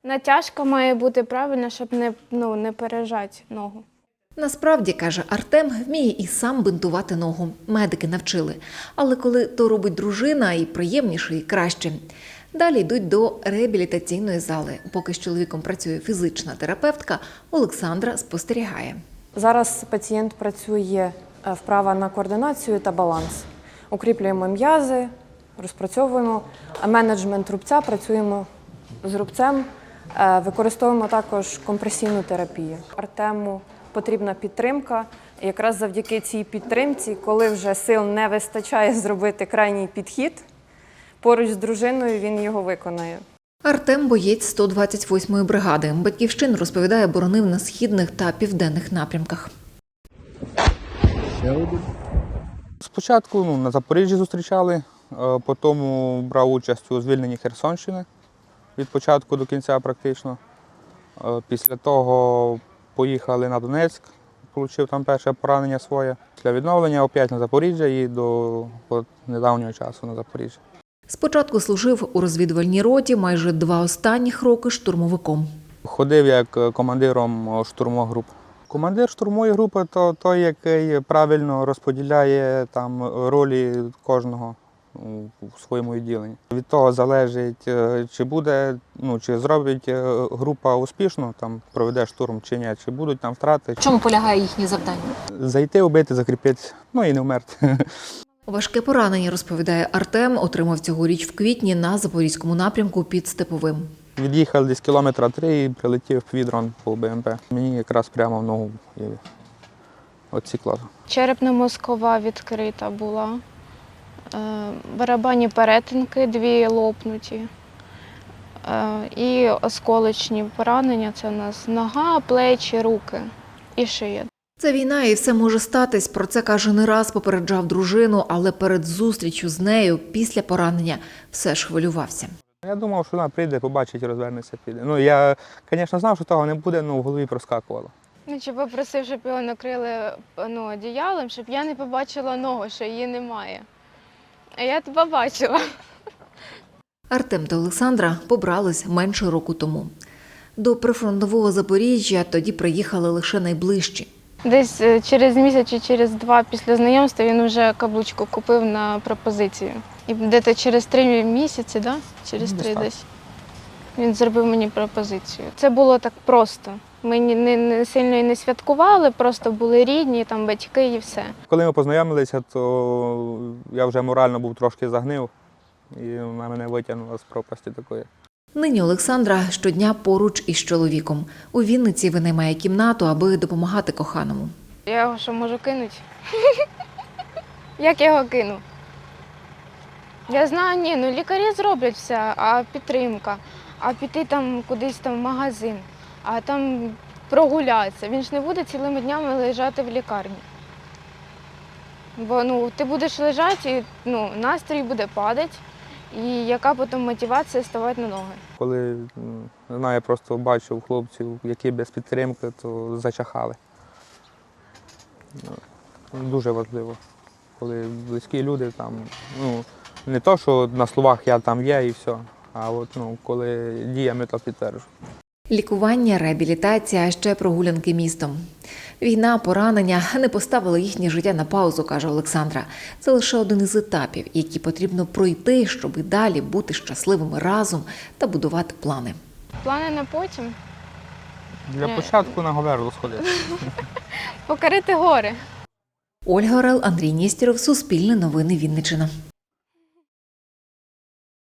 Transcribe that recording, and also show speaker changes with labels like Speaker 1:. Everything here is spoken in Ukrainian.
Speaker 1: Натяжка має бути правильна, щоб не пережати ногу.
Speaker 2: Насправді, каже Артем, вміє і сам бинтувати ногу. Медики навчили. Але коли то робить дружина, і приємніше, і краще. Далі йдуть до реабілітаційної зали. Поки з чоловіком працює фізична терапевтка, Олександра спостерігає.
Speaker 3: Зараз пацієнт працює вправа на координацію та баланс. Укріплюємо м'язи, розпрацьовуємо менеджмент рубця, працюємо з рубцем, використовуємо також компресійну терапію. Артему потрібна підтримка. І якраз завдяки цій підтримці, коли вже сил не вистачає зробити крайній підхід, поруч з дружиною він його виконає.
Speaker 2: Артем – боєць 128-ї бригади. Батьківщину, розповідає, боронив на східних та південних напрямках.
Speaker 4: Спочатку на Запоріжжі зустрічали, потім брав участь у звільненні Херсонщини від початку до кінця практично. Після того поїхали на Донецьк, отримав там перше поранення своє. Після відновлення опять на Запоріжжя і до недавнього часу на Запоріжжя.
Speaker 2: Спочатку служив у розвідувальній роті, майже 2 останніх роки штурмовиком.
Speaker 4: Ходив як командиром штурмових груп. Командир штурмової групи – то той, який правильно розподіляє там ролі кожного у своєму відділенні. Від того залежить, чи буде, чи зробить група успішно, там проведе штурм чи ні, чи будуть там втрати.
Speaker 2: В чому полягає їхнє завдання?
Speaker 4: Зайти, убити, закріпитися, і не вмерти.
Speaker 2: Важке поранення, розповідає Артем, отримав цьогоріч в квітні на Запорізькому напрямку під Степовим.
Speaker 4: Від'їхав десь кілометра 3 і прилетів ПВД-дрон по БМП. Мені якраз прямо в ногу відсікло.
Speaker 1: Черепно-мозкова відкрита була, барабанні перетинки 2 лопнуті і осколочні поранення – це у нас нога, плечі, руки і шия.
Speaker 2: Це війна і все може статись. Про це, каже, не раз попереджав дружину, але перед зустрічю з нею після поранення все ж хвилювався.
Speaker 4: Я думав, що вона прийде, побачить, розвернеться, піде. Я, звісно, знав, що того не буде, але в голові проскакувало.
Speaker 1: Чи попросив, щоб його накрили одіялом, щоб я не побачила ногу, що її немає. А я побачила.
Speaker 2: Артем та Олександра побрались менше року тому. До прифронтового Запоріжжя тоді приїхали лише найближчі.
Speaker 1: Десь через місяць чи через 2 після знайомства він вже каблучку купив на пропозицію. І десь через 3 місяці, да? Через 3 десь, він зробив мені пропозицію. Це було так просто. Ми не сильно і не святкували, просто були рідні, там батьки і все.
Speaker 4: Коли ми познайомилися, то я вже морально був трошки загнив, і вона мене витягнула з пропасті такої.
Speaker 2: Нині Олександра щодня поруч із чоловіком. У Вінниці винаймає кімнату, аби допомагати коханому.
Speaker 1: Я його що, можу кинути? Як я його кину? Я знаю, лікарі зроблять все, а підтримка, а піти там кудись там в магазин, а там прогулятися. Він ж не буде цілими днями лежати в лікарні. Бо ти будеш лежати і настрій буде падати, і яка потім мотивація ставати на ноги.
Speaker 4: Коли, не знаю, я просто бачив хлопців, які без підтримки, то зачахали. Дуже важливо, коли близькі люди там, не то, що на словах я там є і все, а коли діями то підтверджую.
Speaker 2: Лікування, реабілітація, а ще прогулянки містом. Війна, поранення не поставили їхнє життя на паузу, каже Олександра. Це лише один із етапів, які потрібно пройти, щоб і далі бути щасливими разом та будувати плани.
Speaker 1: Плани на потім?
Speaker 4: Для початку на Говерлу сходити.
Speaker 1: Покорити гори.
Speaker 2: Ольга Орел, Андрій Нєстєров, Суспільне новини, Вінниччина.